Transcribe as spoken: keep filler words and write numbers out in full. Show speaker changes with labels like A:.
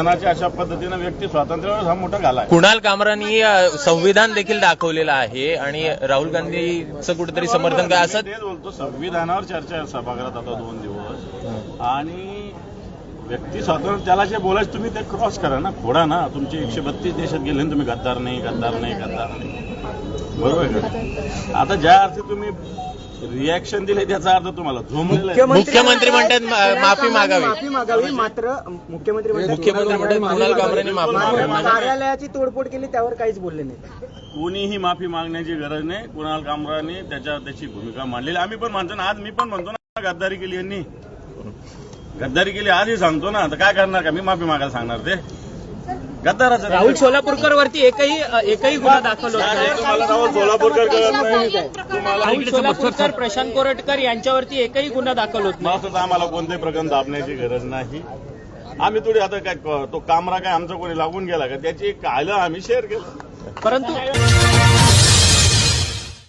A: संविधानाच्या अशा पद्धतीनं व्यक्ती स्वातंत्र्यावर हा मोठा घाला आहे.
B: कुणाल कामरांनी संविधान देखील दाखवलेलं आहे आणि राहुल गांधीचं कुठेतरी समर्थन काय असं
A: तेच बोलतो. संविधानावर चर्चा आहे सभागृहात आता दोन दिवस आणि व्यक्ती स्वातंत्र्य त्याला जे बोलायचं तुम्ही ते क्रॉस करा ना, फोडा ना. तुमचे एकशे बत्तीस देशात गेले ना तुम्ही गद्दार नाही गद्दार नाही गद्दार नाही, बरोबर का? आता ज्या अर्थी तुम्ही रिॲक्शन दिले त्याचा अर्थ तुम्हाला झोमलेला आहे.
B: मुख्यमंत्री म्हणतात माफी मागावी
C: माफी मागावी मात्र मुख्यमंत्री
B: मुख्यमंत्री म्हणतात कुणाल कामरांनी माफी मागावी.
C: कार्यालयाची तोडफोड केली त्यावर काहीच बोलले नाही.
A: कोणीही माफी मागण्याची गरज नाही. कुणाल कामराने त्याच्या त्याची भूमिका मांडलेली. आम्ही पण म्हणतो ना, आज मी पण म्हणतो ना गद्दारी केली यांनी, गद्दारी केली आजही सांगतो ना. तर काय करणार का मी माफी मागायला सांगणार ते गद्दाराचं.
C: राहुल सोलापूरकर वरती एकही एकही गुन्हा दाखल होत नाही.
A: तुम्हाला राहुल सोलापूरकर कळत नाही. तुम्हाला
C: राहुल सोलापूरकर प्रशांत कोरटकर यांच्यावरती एकही गुन्हा दाखल होत नाही.
A: तर आम्हाला कोणत्याही प्रकरण दाबण्याची गरज नाही. आम्ही थोडी आता काय तो कामरा काय आमचा कोणी लागून गेला का त्याची एक आलं आम्ही शेअर केलं.
C: परंतु